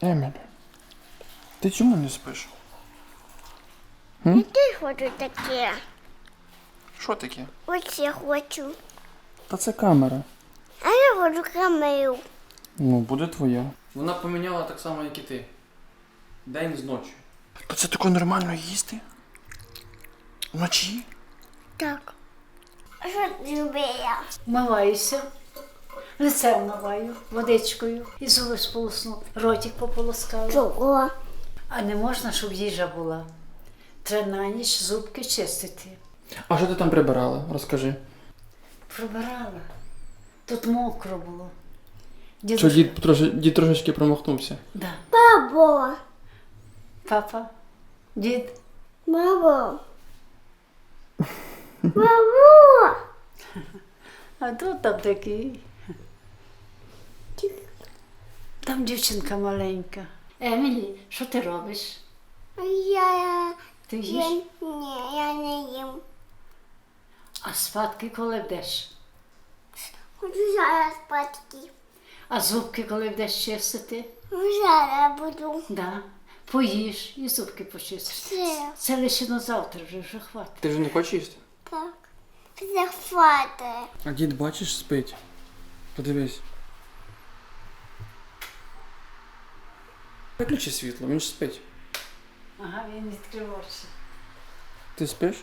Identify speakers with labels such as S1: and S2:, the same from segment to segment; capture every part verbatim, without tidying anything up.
S1: Еміль, ти чому не спиш?
S2: Я теж хочу таке.
S1: Що таке?
S2: Ось я хочу.
S1: Та це камера.
S2: А я хочу камеру.
S1: Ну, буде твоя. Вона поміняла так само, як і ти. День з ночі. Та це таке нормально їсти? Вночі?
S2: Так. А що ти робила?
S3: Вмиваюся, лице вмиваю водичкою і зуби сполосну, ротик пополоскаю.
S2: Чого?
S3: А не можна, щоб їжа була. Треба на ніч зубки чистити.
S1: А що ти там прибирала? Розкажи.
S3: Пробирала. Тут мокро було.
S1: Що
S3: Дідусь...
S1: дід, троши, дід трошечки промахнувся?
S3: Да.
S2: Бабо.
S3: Папа, дід.
S2: Бабо. Бабо.
S3: А тут там такий. Там дівчинка маленька. Емілі, що ти робиш?
S2: Я...
S3: Ти
S2: Я...
S3: їш?
S2: Ні, я не їм.
S3: А спадки коли вдеш?
S2: Хочу зараз спати.
S3: А зубки коли вдеш чистити?
S2: Зараз буду.
S3: Да. Поїж і зубки почистиш.
S2: Все.
S3: Це лише на завтра вже, вже хватить.
S1: Ти вже не хочеш їсти?
S2: Так. Захвати.
S1: А дід, бачиш, спить. Подивись. Виключи світло, він ж спить.
S3: Ага, він відкрив очі.
S1: Ти спиш?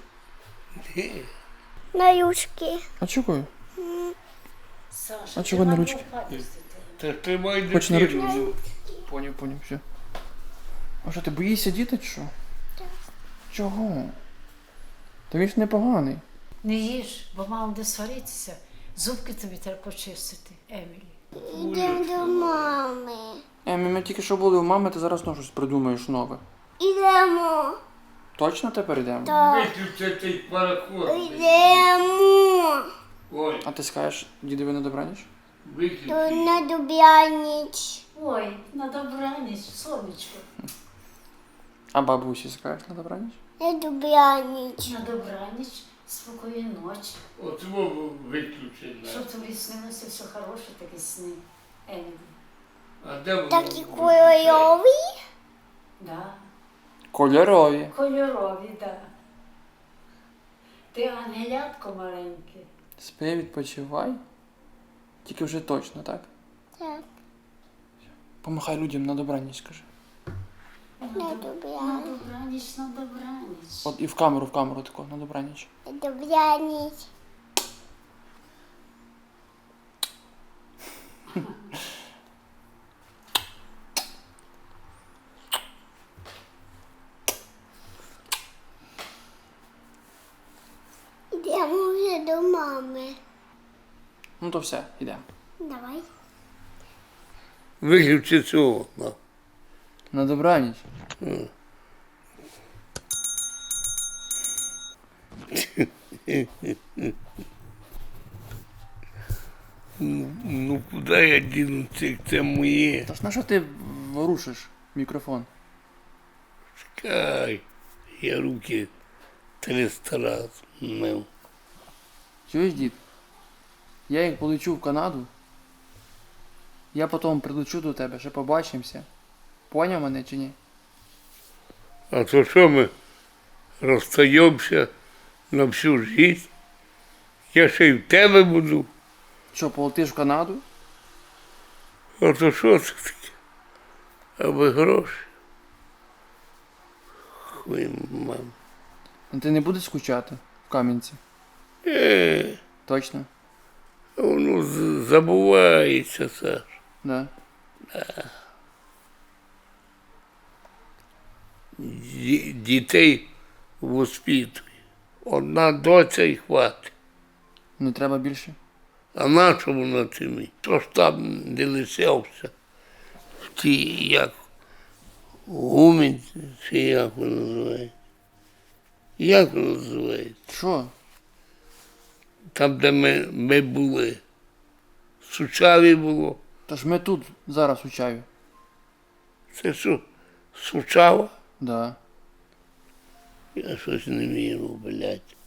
S2: На юшки.
S1: А чого?
S3: Саша,
S1: А чого
S3: ти
S1: на
S3: мав
S1: ручки?
S3: попадати.
S4: Та тримай
S1: Хоч на ручки.
S4: дитину.
S1: Поняв, поняв, все. А що, ти боїшся діти чи що?
S2: Так.
S1: Чого? Та він ж непоганий.
S3: Не їж, бо мама буде сваритися. Зубки тобі треба почистити, Емілі.
S2: Йдемо до мами.
S1: Емі, ми тільки що були у мами, ти зараз знову щось придумаєш нове.
S2: Ідемо.
S1: Точно тепер йдемо?
S2: Так.
S4: Виключи цей пароход.
S2: Ідемо.
S4: Ой,
S1: А ти скажеш дідові на добраніч?
S4: виключи.
S2: То на добраніч.
S3: Ой, на добраніч, сонечко.
S1: А бабусі скажеш на добраніч?
S2: На добраніч.
S3: На добраніч, спокійної ночі.
S4: От мову виключи. да.
S3: Щоб тобі снилося все хороше, такі сни, Емілі.
S4: А де воно?
S2: Такі кольорові.
S3: Да.
S1: Кольорові.
S3: Кольорові, да. Ти ангелятко маленьке.
S1: Спи, відпочивай. Тільки вже точно, так?
S2: Так.
S1: Помахай людям на добраніч, скажи.
S2: На
S3: На
S2: добраніч.
S3: добраніч, на добраніч.
S1: От і в камеру, в камеру тако, на добраніч.
S2: На добраніч. Йдемо вже до мами.
S1: Ну то все, йдемо.
S2: Давай.
S4: Виключи цього. на.
S1: На добраніч.
S4: Ну куди я діну це, це моє?
S1: Та ж на що ти ворушиш мікрофон?
S4: Чекай. Я руки триста разів мив.
S1: Чуєш, дід? Я як полечу в Канаду, я потім прилечу до тебе, ще побачимося. Поняв мене чи ні?
S4: А то що ми розстаємося на всю життя? Я ще й в тебе буду.
S1: Що, полетиш в Канаду?
S4: А то що це таке? Аби гроші. Хуй, мам.
S1: А ти не будеш скучати в Кам'янці?
S4: Е,
S1: Точно?
S4: воно з- забувається, Саш.
S1: Да.
S4: Ді- Дітей воспитує. Одна доця і хватить.
S1: Не треба більше?
S4: А на що вона тобі? То ж там де лишився. В ті, як гумінь, чи як воно називається? Як воно називається?
S1: Що?
S4: Там, де ми, ми були. Сучаві було.
S1: Та ж ми тут зараз у чаю.
S4: Це що? Сучава?
S1: Да.
S4: Я щось не вірю, блядь.